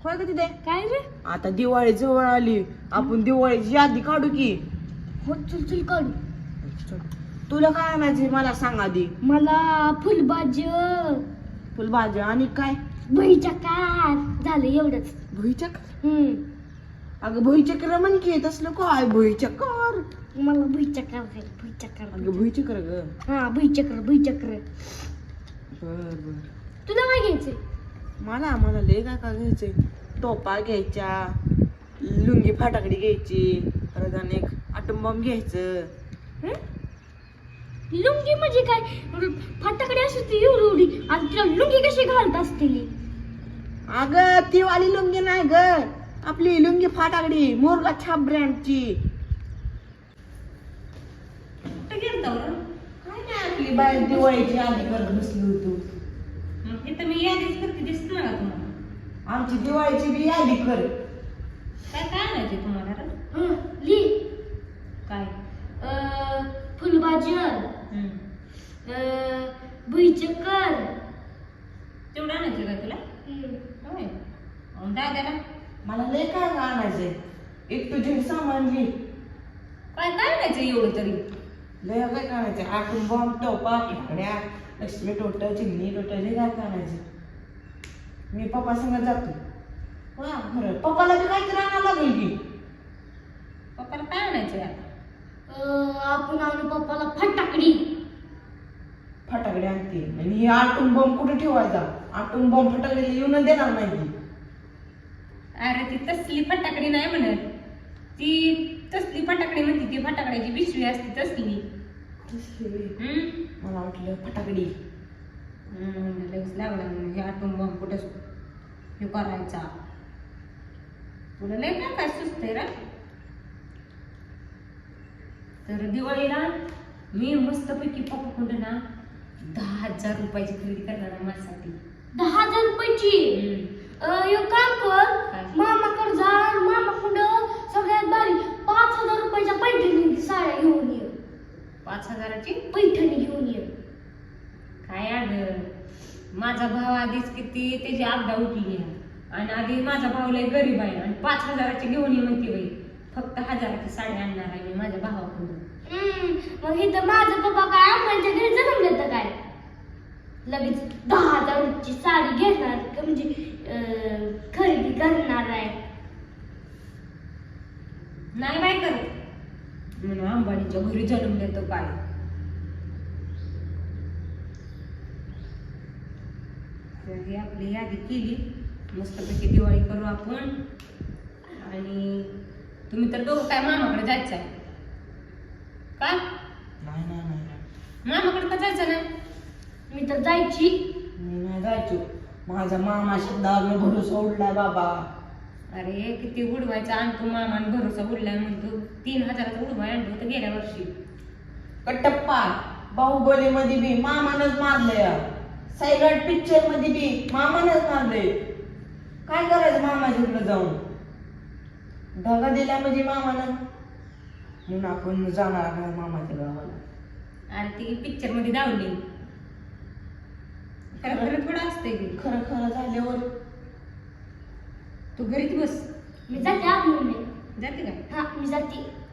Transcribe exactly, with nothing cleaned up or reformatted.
होय का तिथे काय रे? आता दिवाळी जवळ आली, आपण दिवाळीची यादी काढू की. हो चल चल काढू. तुला काय आणायचे मला सांग आधी. मला फुलभाजी, फुलभाज्या आणि काय? भुईचक्कर झालं एवढंच. भुईचक्कर? हम्म अगं भुईचक्कर म्हण की, तसलं काय भुईचक्कर? मला भुईचक्कर खायचं, भुईचक्कर. अगं भुईचक्कर ग. हा भुईचक्कर भुईचक्कर. बर बर. तुला काय घ्यायचंय? मला मला लय काय काय घ्यायचंय. टोपा घ्यायच्या, लुंगी फाटाकडी घ्यायची, परत आणि एक आटम बॉम्ब घ्यायचं. हं? लुंगी म्हणजे काय? फाटाकडे असते एवढी एवढी आणि तिला लुंगी कशी घालत असतील? अगं ती वाली लुंगी नाही ग, आपली लुंगी फाटाकडी मोरला छाप ब्रँडची. काय नाही, आपली बाई दिवाळीची आधी करत बसली होतो. मी यादीच करते, दिसत ना तुम्हाला? आमची दिवाळीची बी यादी कर. काय काय आणायचे तुम्हाला रे? हं, ली काय? अं, फुलभाजी, हम्म. अं, भुईचक्कर. तेवढं आणायचं का तुला? होय. अन दादाला मला लय काय काय आणायचंय. एक तुझी सामान घे. काय काय आणायचं एवढं तरी? लय काय काय आणायचंय. आटून बॉम्ब, टोपा, फाकड्या, लक्ष्मी टोटल, चिमणी टोटल, लय काय काय आणायचं. मी पप्पा संग जातो. हा खरं, पप्पाला बी काहीतरी आणावं लागेल की. पप्पाला काय आणायचं आता? अं, आपण आणू पप्पाला फटाकडी. फटाकडे आणते आणि ही आटून बॉम्ब कुठे ठेवायचा? आटून बॉम्ब फटाकडे येऊन देणार नाही. अरे ती तसली फटाकडी नाही म्हणत, ती तसली फटाकडी म्हणते, ती फटाकड्याची पिशवी असते तसली. हम्म. मला वाटलं फटाकडी. हम्म, लगेच लागला म्हणून हे आटून बॉम्ब कुठं हे करायचा. तुला लय काय काय सुचतंय रे. तर दिवाळीला मी मस्तपैकी पप्पाकडे ना दहा हजार रुपयाची खरेदी करणार आहे माझ्यासाठी. दहा हजार रुपयाची? अं, एक काम कर, काय? मामाकडे जा, मामाकडं सगळ्यात भारी पाच हजार रुपयाच्या पैठणी साड्या घेऊन ये. पाच हजाराची पैठणी घेऊन ये. काय अगं, माझा भाव आधीच किती त्याची आपदा उठली आहे आणि आधी माझा भाव लय गरीब आहे आणि पाच हजाराची घेऊन ये म्हणते बाई. फक्त हजाराची साडी आणणार आहे मी माझ्या भावाकडून. हम्म, मग इथं माझं पप्पा काय आम्हाला घरी जन्मले तर काय लगेच दहा हजाराची साडी घेणार का म्हणजे अं, खरेदी करणार आहे. नाही बाय करत म्हणून अंबानीच्या घरी जन्म देतो काय. तर ही आपली यादी केली, मस्तपैकी दिवाळी करू आपण. आणि तुम्ही तर दोघं काय मामाकडे जायचं आहे का? नाही नाही नाही नाही. मामाकडे का जायचं नाही? मी तर जायची. मी नाही जायचो. माझा मामा शब्दावर भरोसा उडलाय बाबा. अरे किती उडवायचा आणतो मामान, भरोसा उडलाय म्हणतो. तीन हजाराचा उडवाय आणलं होतं गेल्या वर्षी. कटप्पा बाहुबली मध्ये बी मामानच मारलंय. सायलंट पिक्चर मध्ये बी मामानच मारलंय. काय करायचं मामाच्या इकडे जाऊन? ढगा दिल्या म्हणजे मामानं, म्हणून आपण जाणार नाही मामाच्या गावाला. आणि ती पिक्चर मध्ये धावली. खरं खरं थोडं असतंय की. खरं खरं झाल्यावर तू घरीच बस. मी जाते आत म्हणून. जाते का? हा मी जाते.